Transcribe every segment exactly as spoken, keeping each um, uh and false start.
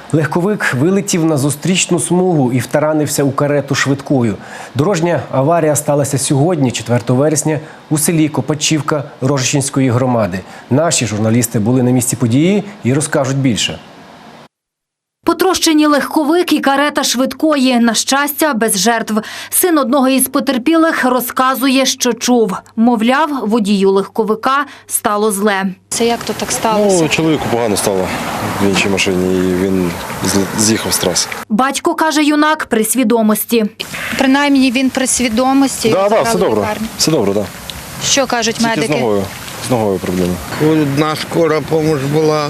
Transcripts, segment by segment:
Легковик вилетів на зустрічну смугу і втаранився у карету швидкою. Дорожня аварія сталася сьогодні, четвертого вересня, у селі Копачівка Рожищенської громади. Наші журналісти були на місці події і розкажуть більше. Потрощені легковик і карета швидкої. На щастя, без жертв. Син одного із потерпілих розказує, що чув. Мовляв, водію легковика стало зле. Це як то так сталося? Ну, чоловіку погано стало в іншій машині і він з'їхав з траси. Батько, каже юнак, при свідомості. Принаймні він при свідомості. Так, так, все добре. Все добре, так. Що кажуть Тільки медики? з ногою, з ногою проблеми. Одна скора допомога була,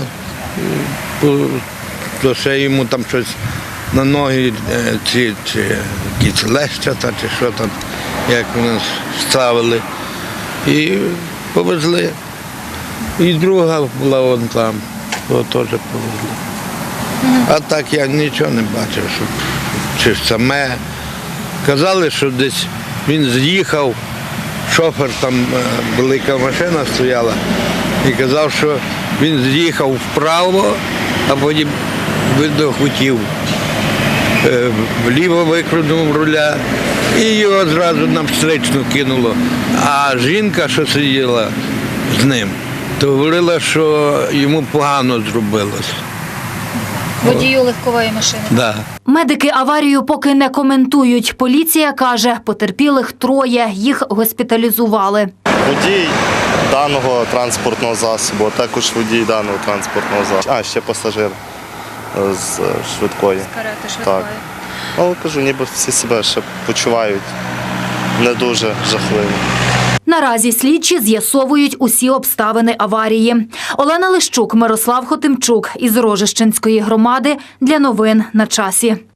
то ще йому там щось на ноги, чи, чи якісь лещата, чи що там, як вони ставили. І повезли. І друга була вон там, його теж повезли. А так я нічого не бачив, що чи саме. Казали, що десь він з'їхав, шофер, там велика машина стояла, і казав, що він з'їхав вправо, а потім видно хотів. Вліво викрутнув руля і його одразу на встречну кинуло. А жінка, що сиділа з ним, то говорила, що йому погано зробилось. Водію легкової машини? Да. Медики аварію поки не коментують. Поліція каже, потерпілих троє, їх госпіталізували. Водій даного транспортного засобу, а також водій даного транспортного засобу. А, ще пасажир з швидкої. З карети швидкої. Так. Але кажу, ніби всі себе ще почувають не дуже жахливо. Наразі слідчі з'ясовують усі обставини аварії. Олена Лищук, Мирослав Хотимчук із Рожищенської громади для новин на часі.